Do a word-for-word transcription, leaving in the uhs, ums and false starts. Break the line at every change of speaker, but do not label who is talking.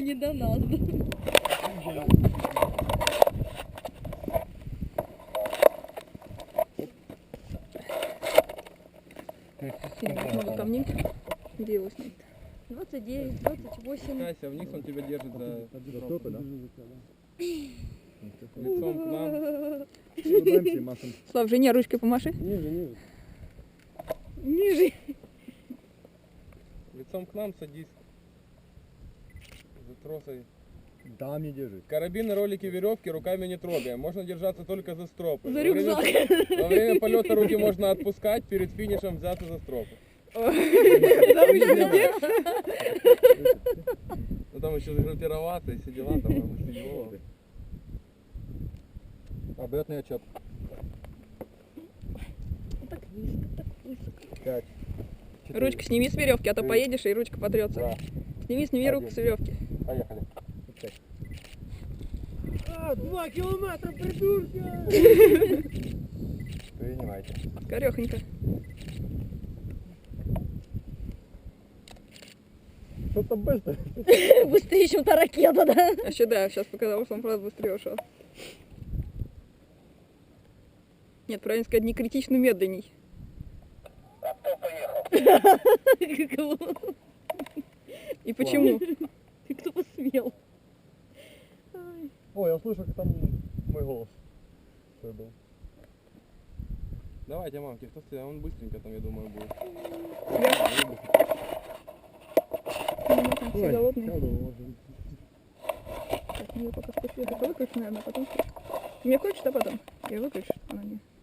не до нас.
Много камней. Где его снять?
двадцать девять, двадцать восемь.
Кася, вниз он тебя держит за, за стопы, да?
Лицом
Лицом к нам.
Слав, жене ручкой помаши.
Ниже, ниже.
Ниже.
Лицом к нам садись. За тросой.
Да, мне держит.
Карабины, ролики, веревки руками не трогаем. Можно держаться только за стропы.
За
Во время-
рюкзак.
Во время полета руки можно отпускать, перед финишем взяться за стропы. Ну там еще загруппироваться и все дела, там мы сидим.
Обратный отчет.
Так высоко, так высоко.
Пять.
Ручку сними с веревки, а то
Три.
поедешь и ручка потрется.
Два.
Сними, сними руку с веревки.
Поехали.
А, два километра, придурки!
Принимайте.
Скорехонько.
Что-то быстро.
Быстрее, чем та ракета, да?
А еще да, сейчас показалось, он правда быстрее ушел. Нет, правильно сказать, не критично медленней. И почему?
Ты кто посмел?
О, я слышу, как там мой голос. Что был.
Давайте, мамки, кто стоит? Он быстренько там, я думаю, будет.
Все голодные.
сяду, может.
Так, ну я пока спустя это выключу, наверное, а потом... Мне хочешь, а потом? Я выключу, она не...